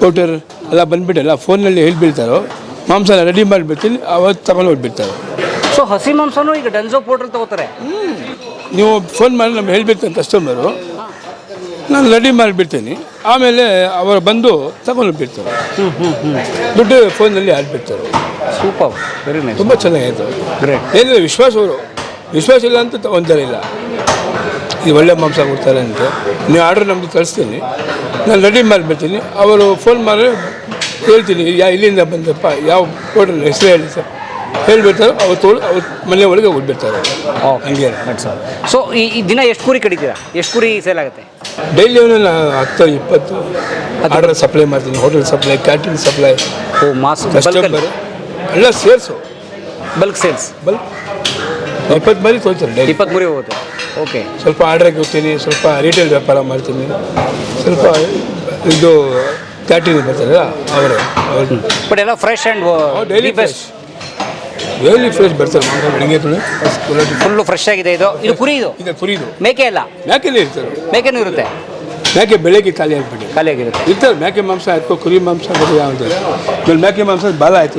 ಇಂಪೋರ್ಟರ್ ಎಲ್ಲ ಬಂದುಬಿಟ್ಟು ಎಲ್ಲ ಫೋನಲ್ಲಿ ಹೇಳ್ಬಿಡ್ತಾರೋ ಮಾಂಸ ರೆಡಿ ಮಾಡಿಬಿಡ್ತೀನಿ, ಅವತ್ತು ತಗೊಂಡು ಹೋಗ್ಬಿಡ್ತಾರೆ. ಸೊ ಹಸಿ ಮಾಂಸನೂ ಈಗ ಡನ್ಸೋ ಪೌಡ್ರ್ ತಗೋತಾರೆ. ನೀವು ಫೋನ್ ಮಾಡಿ ನಮ್ಗೆ ಹೇಳ್ಬಿಡ್ತಾನೆ ಕಸ್ಟಮರು, ನಾನು ರೆಡಿ ಮಾಡಿಬಿಡ್ತೀನಿ, ಆಮೇಲೆ ಅವರು ಬಂದು ತಗೊಂಡೋಗ್ಬಿಡ್ತಾರೆ. ದುಡ್ಡು ಫೋನಲ್ಲಿ ಹಾಕ್ಬಿಡ್ತಾರೆ. ಸೂಪರ್, ವೆರಿ ನೈಸ್, ತುಂಬ ಚೆನ್ನಾಗಾಯ್ತು. ಗ್ರೇಟ್. ಏನಿಲ್ಲ, ವಿಶ್ವಾಸ ಅವರು ವಿಶ್ವಾಸ ಇಲ್ಲ ಅಂತ ತಗೊತಾರೆ ಇಲ್ಲ, ಇದು ಒಳ್ಳೆ ಮಾಂಸ ಕೊಡ್ತಾರೆ ಅಂತ. ನೀವು ಆರ್ಡ್ರ್ ನಮ್ಮದು ಕಳಿಸ್ತೀನಿ, ನಾನು ರೆಡಿ ಮಾಡಿಬಿಡ್ತೀನಿ. ಅವರು ಫೋನ್ ಮಾಡಿ ಹೇಳ್ತೀನಿ, ಯಾ ಇಲ್ಲಿಂದ ಬಂದಪ್ಪ, ಯಾವ ಹೋಟೆಲ್ ಹೆಸರು ಹೇಳಿ ಸರ್ ಹೇಳ್ಬಿಡ್ತಾರೆ. ಅವ್ರು ತೋಳು ಅವ್ರ ಮನೆ ಒಳಗೆ ಹೋಗ್ಬಿಡ್ತಾರೆ. ಹಂಗೆ ಸರ್. ಸೊ ಈ ಈ ದಿನ ಎಷ್ಟು ಕುರಿ ಕಡಿತೀರಾ? ಎಷ್ಟು ಕುರಿ ಸೇಲ್ ಆಗುತ್ತೆ? ಡೈಲಿ ನಾನು ಹತ್ತು ಇಪ್ಪತ್ತು ಆರ್ಡರ್ ಸಪ್ಲೈ ಮಾಡ್ತೀನಿ. ಹೋಟೆಲ್ ಸಪ್ಲೈ, ಕ್ಯಾಟ್ರಿಂಗ್ ಸಪ್ಲೈ, ಓ ಮಾಸ್ ಕಸ್ಟಮರ್ ಎಲ್ಲ ಸೇರಿಸು ಬಲ್ಕ್ ಸೇಲ್ಸ್. ಬಲ್ಕ್ ಇಪ್ಪತ್ತು ಮರಿ ತೊಗೊಳ್ತಾರೆ ಡೈಲಿ. ಇಪ್ಪತ್ತು ಮುರಿ ಹೋಗುತ್ತೆ. ಓಕೆ. ಸ್ವಲ್ಪ ಆರ್ಡ್ರಿಗೆ ಹೋಗ್ತೀನಿ, ಸ್ವಲ್ಪ ರಿಟೇಲ್ ವ್ಯಾಪಾರ ಮಾಡ್ತೀನಿ, ಸ್ವಲ್ಪ ಇದು ಕ್ಯಾಟ್ರಿಂಗ್ ಬರ್ತಾರಲ್ಲ ಅವರೇ ಅವ್ರು. ಬಟ್ ಎಲ್ಲ fresh and daily best, daily fresh ಬರ್ತಾರೆ ಮಾಂಸ ಬೆಳಿಗ್ಗೆ ತೊಳೆ ಫುಲ್ಲು ಫ್ರೆಶ್ ಆಗಿದೆ. ಇದು ಇದು ಕುರಿ, ಇದು ಈಗ ಕುರಿದು ಮೇಕೆ ಅಲ್ಲ, ಮೇಕೆನೇ ಇರ್ತಾರೆ. ಮೇಕೆನೂ ಇರುತ್ತೆ, ಮೇಕೆ ಬೆಳಗ್ಗೆ ಖಾಲಿ ಆಗಿಬಿಟ್ಟು ಖಾಲಿಯಾಗಿರುತ್ತೆ. ಇರ್ತಾರೆ. ಮೇಕೆ ಮಾಂಸ ಆಯ್ತು, ಕುರಿ ಮಾಂಸ ಆಮೇಲೆ ಆಮೇಲೆ ಮೇಕೆ ಮಾಂಸ ಬಾಲ ಆಯಿತು.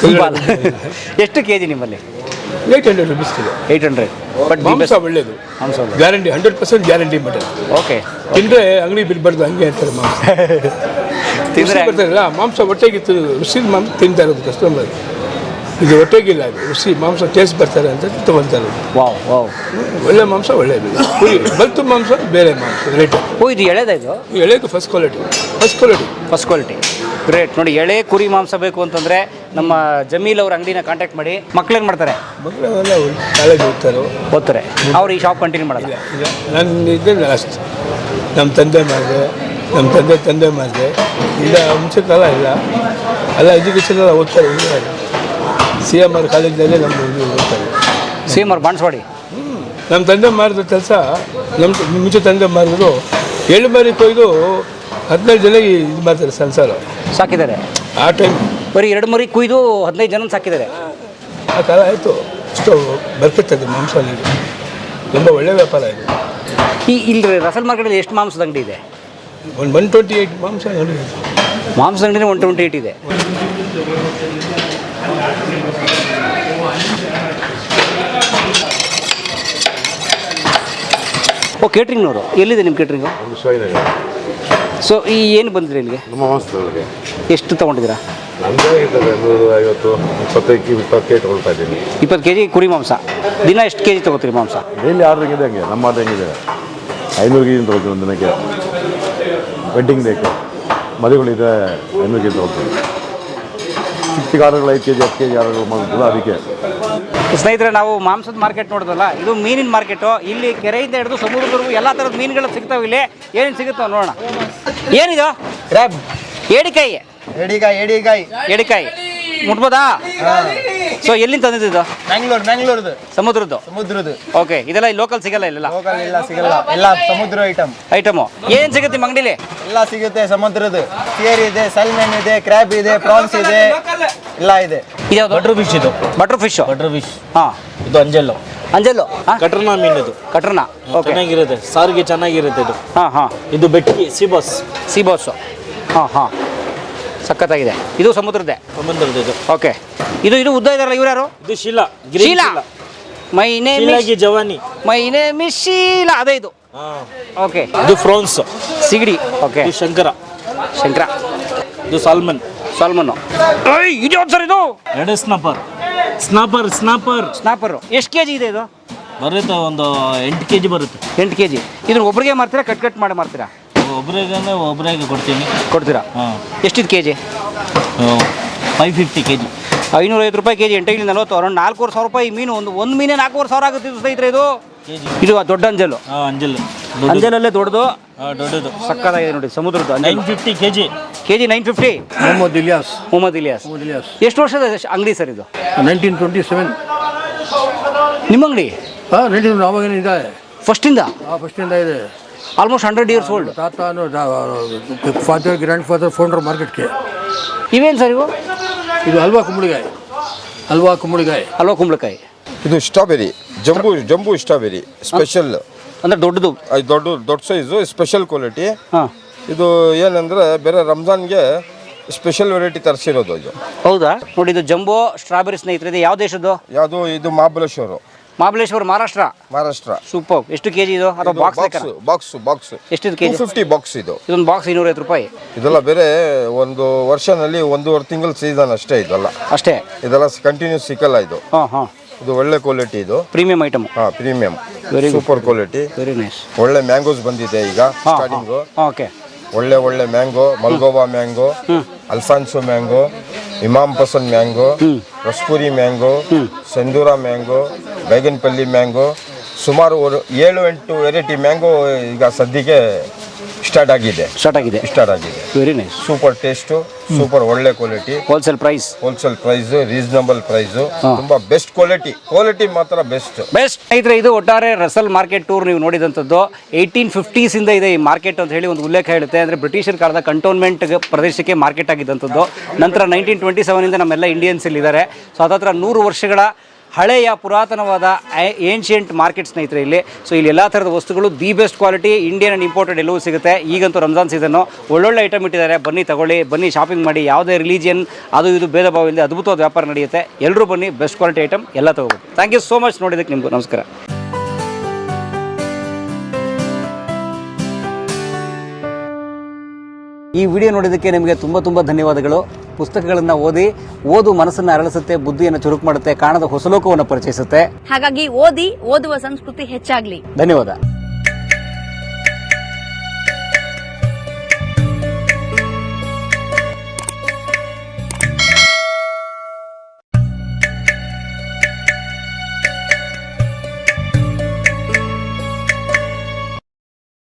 ಎಷ್ಟು ಕೆ ಜಿ ನಿಮ್ಮಲ್ಲಿ? Eight hundred rupees kilo. Eight hundred. But ಮಾಂಸ ಒಳ್ಳೇದು, ಮಾಂಸ guarantee, hundred percent guarantee mutton. Okay. ತಿಂದರೆ ಅಂಗಡಿ ಬಿಡಬಾರ್ದು, ಹಂಗೆ ಅಂತಾರೆ ಮಾಂಸ ತಿಂದರೆ ಬರ್ತಾರಲ್ಲ. ಮಾಂಸ ಹೊಟ್ಟೆಗಿತ್ತು, ರುಚಿ ಮಾಂಸ ತಿಂತಾ ಇರೋದು ಕಸ್ಟಮರ್. ಇದು ಹೊಟ್ಟೆಗಿಲ್ಲ, ಅದು ರುಚಿ ಮಾಂಸ ಟೇಸ್ಟ್ ಬರ್ತಾರೆ ಅಂತ ತೊಗೊತಾರೆ. ವಾವ್ ವಾವ್, ಒಳ್ಳೆ ಮಾಂಸ ಒಳ್ಳೆಯದು. ಕುರಿ ಬಲ್ತು ಮಾಂಸ ಬೇರೆ ಮಾಂಸ ರೇಟ್. ಓ ಇದು ಎಳೆದ, ಇದು ಎಳೆದು first quality, first quality first quality. Great. ನೋಡಿ, ಎಳೆ ಕುರಿ ಮಾಂಸ ಬೇಕು ಅಂತಂದರೆ ನಮ್ಮ ಜಮೀಲ್ ಅವ್ರ ಅಂಗಡಿನ ಕಾಂಟ್ಯಾಕ್ಟ್ ಮಾಡಿ. ಮಕ್ಳೇನು ಮಾಡ್ತಾರೆ? ಮಕ್ಕಳೆಲ್ಲ ಕಾಲೇಜ್ ಹೋಗ್ತಾರೋ ಓದ್ತಾರೆ, ಅವ್ರು ಈ ಶಾಪ್ ಕಂಟಿನ್ಯೂ ಮಾಡಲ್ಲ. ಈಗ ನನ್ನ ಇದ್ದೆ ಲಾಸ್ಟ್ ನಮ್ಮ ತಂದೆ ಮಾಡಿದೆ, ನಮ್ಮ ತಂದೆ ತಂದೆ ಮಾಡಿದೆ. ಈಗ ಮುಂಚೆ ಕಾಲ ಇಲ್ಲ, ಎಲ್ಲ ಎಜುಕೇಷನ್ ಎಲ್ಲ ಓದ್ತಾರೆ. ಸಿ ಎಮ್ ಆರ್ ಕಾಲೇಜ್ನಲ್ಲೇ ನಮ್ಮ ಓದ್ತಾರೆ. C M R Banaswadi. ನಮ್ಮ ತಂದೆ ಮಾಡಿದ ಕೆಲಸ, ನಮ್ಮ ಮುಂಚೆ ತಂದೆ ಮಾಡಿದ್ರು ಏಳು ಮರಿ ಕೊಯ್ದು ಹದಿನೈದು ಜನ ಇದು ಮಾಡ್ತಾರೆ, ಸಂಸಾರ ಸಾಕಿದ್ದಾರೆ. ಆ ಟೈಮ್ ಬರೀ ಎರಡು ಮರಿ ಕುಯ್ದು ಹದಿನೈದು ಜನ ಸಾಕಿದ್ದಾರೆ. ಆ ಕಾಲ ಆಯಿತು. ಅಷ್ಟು ಬರ್ತಿರ್ತದೆ ಮಾಂಸ ನೀರು, ತುಂಬ ಒಳ್ಳೆಯ ವ್ಯಾಪಾರ ಇದು. ಈ ಇಲ್ಲಿ ರಸಲ್ ಮಾರ್ಕೆಟಲ್ಲಿ ಎಷ್ಟು ಮಾಂಸದ ಅಂಗಡಿ ಇದೆ? ಒಂದು ಒನ್ ಟ್ವೆಂಟಿ ಏಯ್ಟ್ ಮಾಂಸ ಅಂಗಡಿ ಇದೆ. ಮಾಂಸದ ಅಂಗಡಿನೇ ಒನ್ ಟ್ವೆಂಟಿ ಏಯ್ಟ್ ಇದೆ. ಓ, ಕೇಟ್ರಿಂಗ್ನವರು ಎಲ್ಲಿದೆ ನಿಮ್ಮ ಕೇಟ್ರಿಂಗು? ಸೊ ಈ ಏನು ಬಂದಿರಿ ಇಲ್ಲಿಗೆ? ನಮ್ಮ ಮಾಂಸದೊಳಗೆ ಎಷ್ಟು ತೊಗೊಂಡಿದ್ದೀರಾ? ನಮ್ಮದೇ ಇರ್ತದೆ ನೂರು ಐವತ್ತು ಇಪ್ಪತ್ತೈದು ಇಪ್ಪತ್ತು ಕೆ ಜಿ ತೊಗೊಳ್ತಾ ಇದ್ದೀನಿ. ಇಪ್ಪತ್ತು ಕೆ ಜಿ ಕುರಿ ಮಾಂಸ. ದಿನ ಎಷ್ಟು ಕೆ ಜಿ ತೊಗೋತೀರಿ ಮಾಂಸ? ಡೈಲಿ ಆರ್ಡ್ರ್ ಹೆಂಗಿದೆ ಹಂಗೆ, ನಮ್ಮ ಆರ್ಡ್ರ್ ಹೆಂಗಿದೆ ಐನೂರು ಕೆ ಜಿ ತೊಗೊಳ್ತೀನಿ ಒಂದು ದಿನಕ್ಕೆ. ವೆಡ್ಡಿಂಗ್ ಡೇಗೆ ಮದುವೆಗಳಿದೆ, ಐನೂರು ಕೆ ಜಿ ತೊಗೊಳ್ತೀನಿ. ಚಿಕ್ಕ ಚಿಕ್ಕ ಆರ್ಡ್ರ್ಗಳು ಐದು ಕೆ ಜಿ ಹತ್ತು ಕೆ ಜಿ ಆರ್ಡ್ರ್ಗಳು ಮಾಡೋದಿಲ್ಲ, ಅದಕ್ಕೆ. ಸ್ನೇಹಿತರೆ, ನಾವು ಮಾಂಸದ ಮಾರ್ಕೆಟ್ ನೋಡಿದ್ವಲ್ಲ, ಇದು ಮೀನಿನ ಮಾರ್ಕೆಟು. ಇಲ್ಲಿ ಕೆರೆಯಿಂದ ಹಿಡಿದು ಸಮುದ್ರದವರೆಗೂ ಎಲ್ಲ ಥರದ ಮೀನುಗಳು ಸಿಗ್ತಾವೆ. ಇಲ್ಲಿ ಏನೇನು ಸಿಗುತ್ತೋ ನೋಡೋಣ. ಏನಿದು? ಕ್ರ್ಯಾಬ್, ಏಡಿಕಾಯಿ. ಏಡಿಕಾಯಿ, ಏಡಿಕಾಯಿ, ಏಡಿಕಾಯಿ ಮುಟ್ಬೋದಾ? ಸೊ ಎಲ್ಲಿಂದ ತಂದಿದ್ದು? ಮ್ಯಾಂಗ್ಳೂರ್, ಮ್ಯಾಂಗ್ಳೂರ್ದು ಸಮುದ್ರದ್ದು. ಸಮುದ್ರದ್ದು. ಓಕೆ. ಇದೆಲ್ಲ ಲೋಕಲ್ ಸಿಗಲ್ಲ ಇಲ್ಲೆಲ್ಲ? ಲೋಕಲ್ ಇಲ್ಲ, ಸಿಗಲ್ಲ. ಎಲ್ಲ ಸಮುದ್ರ ಐಟಮ್ ಐಟಮು ಏನು ಸಿಗುತ್ತೆ ನಿಮ್ಮ ಅಂಗಡಿಲಿ? ಎಲ್ಲ ಸಿಗುತ್ತೆ. ಸಮುದ್ರದ್ದು ಸಿಯರ್ ಇದೆ, ಸಲ್ಮನ್ ಇದೆ, ಕ್ರ್ಯಾಬ್ ಇದೆ, ಪ್ರಾನ್ಸ್ ಇದೆ, ಎಲ್ಲ ಇದೆ. ಇದ್ಯಾವುದು? ಬಟ್ರ್ ಫಿಶ್ ಇದು. Butter fish. Butter fish. ಹಾಂ. ಇದು ಅಂಜಲ್ಲು. ಅಂಜಲ್ಲು ಕಟ್ರನಾ ಮೀನು ಇದು. ಕಟ್ರನಾ. ಓಕೆ. ಚೆನ್ನಾಗಿರುತ್ತೆ, ಸಾರಿಗೆ ಚೆನ್ನಾಗಿರುತ್ತೆ ಇದು. ಹಾಂ ಹಾಂ. ಇದು ಬೆಟ್ಟಿ ಸಿಬಾಸ್. ಸಿಬೋಸು. ಹಾಂ ಹಾಂ, ಸಖತ್ತಾಗಿದೆ. ಇದು ಸಮುದ್ರದ್ದೇ. ಸಮುದ್ರದ ಇದು. ಓಕೆ. ಇದು ಇದು ಉದ್ದ ಇದಾರಲ್ಲ, ಇವ್ರು ಯಾರು? ಇದು Sheela. Green Sheela. Sheela. My name ಶೀಲಾಗಿ ಜವಾನಿ. My name is Sheela. ಅದೇ ಇದು. ಓಕೆ. ಇದು ಫ್ರಾನ್ಸ್. ಸಿಗಡಿ. ಓಕೆ. ಇದು ಶಂಕರ. ಶಂಕರ. ಇದು ಸಾಲ್ಮನ್. ಸಾಲ್ಮನ್ನು. ಐ ಇದು ಯಾವ್ದು ಸರ್ ಇದು? ಎರಡು ಸ್ನಾಪರ್. ಸ್ನಾಪರ್ ಸ್ನಾಪರ್ ಸ್ನಾಪರು. ಎಷ್ಟು ಕೆ ಜಿ ಇದೆ ಇದು? ಬರುತ್ತೆ, ಒಂದು ಎಂಟು ಕೆ ಜಿ ಬರುತ್ತೆ. ಎಂಟು ಕೆ ಜಿ. ಇದನ್ನು ಒಬ್ರಿಗೆ ಮಾರ್ತೀರಾ, ಕಟ್ ಕಟ್ ಮಾಡಿ ಮಾರ್ತೀರಾ? ಒಬ್ರಿಗೆ ಒಬ್ರಿಗೆ ಕೊಡ್ತೀನಿ. ಕೊಡ್ತೀರಾ? ಹಾಂ. ಎಷ್ಟಿದೆ K G? Five fifty K G. ಐನೂರೈವತ್ತು ರೂಪಾಯಿ ಕೆ ಜಿ. ಎಂಟೈಲಿ ನಲ್ವತ್ತು, ಅರೌಂಡ್ ನಾಲ್ಕೂವರೆ ಸಾವಿರ ರೂಪಾಯಿ ಮೀನು. ಒಂದು ಒಂದು ಮೀನೇ ನಾಲ್ಕೂವರೆ ಸಾವಿರ ಆಗುತ್ತೆ ಇದು ಸ್ನೇಹಿತರೆ. ಇದು ಕೆ ಜಿ. ಇದು ದೊಡ್ಡ ಅಂಜಲು. ಹಾಂ, ಅಂಜಲ್. ಅಂಜಲಲ್ಲೇ ದೊಡ್ಡದು. ಹಾಂ, ದೊಡ್ಡದು. ಸಕ್ಕತ್ತಾಗಿದೆ ನೋಡಿ ಸಮುದ್ರದ್ದು. Nine fifty K G. K G nine fifty. Mohammed Ilyas. Mohammed Ilyas. Ilyas. ಎಷ್ಟು ವರ್ಷದ ಅಂಗಡಿ ಸರ್ ಇದು? Nineteen twenty seven. ನಿಮ್ಮ ಅಂಗಡಿ? ಹಾಂ, ನೈನ್ಟೀನ್ ಆವಾಗೇನು ಇದೆ, ಫಸ್ಟಿಂದ? ಹಾಂ, ಫಸ್ಟಿಂದ ಇದೆ. Almost hundred years old. ತಾತ ಫಾದರ್, ಗ್ರ್ಯಾಂಡ್ ಫಾದರ್ ಫೌಂಡರ್ ಮಾರ್ಕೆಟ್ಗೆ. ಇವೇನು ಸರ್ ಇವು? ಇದು ಹಲ್ವಾ ಕುಂಬಳಕಾಯಿ. ಹಲ್ವಾ ಕುಂಬಳಕಾಯಿ. ಹಲ್ವಾ ಕುಂಬಳಕಾಯಿ. ಇದು strawberry, jumbo jumbo strawberry special. ಅಂದರೆ ದೊಡ್ಡದು. ಅದು ದೊಡ್ಡ ದೊಡ್ಡ ಸೈಜು, ಸ್ಪೆಷಲ್ ಕ್ವಾಲಿಟಿ. ಹಾಂ. ಇದು ಏನಂದ್ರೆ ಬೇರೆ ರಂಜಾನ್ಗೆ ಸ್ಪೆಷಲ್ ವೆರೈಟಿ ತರಿಸಿರೋದು ಇದು. ಹೌದಾ? ನೋಡಿ ಇದು ಜಂಬೋ ಸ್ಟ್ರಾಬೆರಿ ಸ್ನೇಹಿತರೆ. ಇದು ಯಾವ ದೇಶದ್ದು? ಯಾವುದು ಇದು ಮಹಾಬಲೇಶ್ವರ. ಮಹಾಬಲೇಶ್ವರ ಮಹಾರಾಷ್ಟ್ರ. ಮಹಾರಾಷ್ಟ್ರ. ಸೂಪರ್. ಎಷ್ಟು ಕೆಜಿ ಇದು? ಅಥವಾ ಬಾಕ್ಸ್ ಲೆಕ್ಕ? ಬಾಕ್ಸ್ ಬಾಕ್ಸ್ ಎಷ್ಟು ಕೆಜಿ? ಫಿಫ್ಟಿ ಬಾಕ್ಸ್ ಇದು. ಇದೊಂದು ಬಾಕ್ಸ್ ಇನ್ನೂರೈವತ್ತು ರೂಪಾಯಿ. ಇದೆಲ್ಲ ಬೇರೆ ಒಂದು ವರ್ಷನಲ್ಲಿ ಒಂದೂವರೆ ತಿಂಗಳು ಸೀಸನ್ ಅಷ್ಟೇ ಇದೆಲ್ಲ. ಅಷ್ಟೇ? ಇದೆಲ್ಲ ಕಂಟಿನ್ಯೂಸ್ ಸಿಕ್ಕಲ್ಲ ಇದು. ಹಾಂ ಹಾಂ. ಇದು ಒಳ್ಳೆ ಕ್ವಾಲಿಟಿ, ಇದು ಪ್ರೀಮಿಯಂ ಐಟಮ್. ಹಾಂ, premium, very super quality, very nice. ಒಳ್ಳೆ ಮ್ಯಾಂಗೋಸ್ ಬಂದಿದೆ ಈಗ ಸ್ಟಾರ್ಟಿಂಗು. ಓಕೆ. ಒಳ್ಳೆ ಒಳ್ಳೆ mango, Malgova mango, Alphonso mango, Imam Pasand mango, Raspuri mango, Sendura mango, Baiganpalli mango, ಸುಮಾರು ಒಂದು ಏಳು ಎಂಟು ವೆರೈಟಿ ಮ್ಯಾಂಗೋ ಈಗ ಸದ್ಯಕ್ಕೆ ಸ್ಟಾರ್ಟ್ ಆಗಿದೆ ಸ್ಟಾರ್ಟ್ ಆಗಿದೆ ಸ್ಟಾರ್ಟ್ ಆಗಿದೆ very nice. Super taste, super ಒಳ್ಳೆ quality, wholesale price wholesale price, reasonable price, ತುಂಬಾ ಬೆಸ್ಟ್ ಕ್ವಾಲಿಟಿ. ಕ್ವಾಲಿಟಿ ಮಾತ್ರ ಬೆಸ್ಟ್ ಬೆಸ್ಟ್. ಸ್ನೇಹಿತರೆ, ಇದು ಒಟ್ಟಾರೆ ರಸಲ್ ಮಾರ್ಕೆಟ್ ಟೂರ್ ನೀವು ನೋಡಿದಂಥದ್ದು. ಏಯ್ಟೀನ್ ಫಿಫ್ಟೀಸ್ ಇಂದ ಇದೆ ಈ ಮಾರ್ಕೆಟ್ ಅಂತ ಹೇಳಿ ಒಂದು ಉಲ್ಲೇಖ ಹೇಳುತ್ತೆ. ಅಂದರೆ ಬ್ರಿಟಿಷರ ಕಾಲದ ಕಂಟೋನ್ಮೆಂಟ್ ಪ್ರದೇಶಕ್ಕೆ ಮಾರ್ಕೆಟ್ ಆಗಿದ್ದಂಥದ್ದು. ನಂತರ ನೈನ್ಟೀನ್ ಟ್ವೆಂಟಿ ಸೆವೆನ್ ಇಂದ ನಮ್ಮೆಲ್ಲ ಇಂಡಿಯನ್ಸ್ ಇಲ್ಲಿ ಇದ್ದಾರೆ. ಸೊ ಅದತ್ರ ನೂರು ವರ್ಷಗಳ ಹಳೆಯ ಪುರಾತನವಾದ ಏನ್ಷಿಯಂಟ್ ಮಾರ್ಕೆಟ್ ಸ್ನೇಹಿತರೆ ಇಲ್ಲಿ. ಸೊ ಇಲ್ಲಿ ಎಲ್ಲ ಥರದ ವಸ್ತುಗಳು the best quality, Indian and imported ಎಲ್ಲವೂ ಸಿಗುತ್ತೆ. ಈಗಂತೂ ರಂಜಾನ್ ಸೀಸನ್ನು, ಒಳ್ಳೊಳ್ಳೆ ಐಟಮ್ ಇಟ್ಟಿದ್ದಾರೆ. ಬನ್ನಿ ತಗೊಳ್ಳಿ, ಬನ್ನಿ ಶಾಪಿಂಗ್ ಮಾಡಿ. ಯಾವುದೇ ರಿಲಿಜಿಯನ್ ಅದು ಇದು ಭೇದ ಭಾವ ಇಲ್ಲದೆ ಅದ್ಭುತವಾದ ವ್ಯಾಪಾರ ನಡೆಯುತ್ತೆ. ಎಲ್ಲರೂ ಬನ್ನಿ, ಬೆಸ್ಟ್ ಕ್ವಾಲಿಟಿ ಐಟಮ್ ಎಲ್ಲ ತಗೋಬೋದು. ಥ್ಯಾಂಕ್ ಯು ಸೋ ಮಚ್ ನೋಡಿದ್ದಕ್ಕೆ ನಿಮಗೂ ನಮಸ್ಕಾರ. ಈ ವಿಡಿಯೋ ನೋಡಿದ್ದಕ್ಕೆ ನಿಮಗೆ ತುಂಬ ತುಂಬ ಧನ್ಯವಾದಗಳು. ಪುಸ್ತಕಗಳನ್ನು ಓದಿ, ಓದು ಮನಸ್ಸನ್ನು ಅರಳಿಸುತ್ತೆ, ಬುದ್ಧಿಯನ್ನು ಚುರುಕು ಮಾಡುತ್ತೆ, ಕಾಣದ ಹೊಸಲೋಕವನ್ನು ಪರಿಚಯಿಸುತ್ತೆ. ಹಾಗಾಗಿ ಓದಿ, ಓದುವ ಸಂಸ್ಕೃತಿ ಹೆಚ್ಚಾಗ್ಲಿ. ಧನ್ಯವಾದ.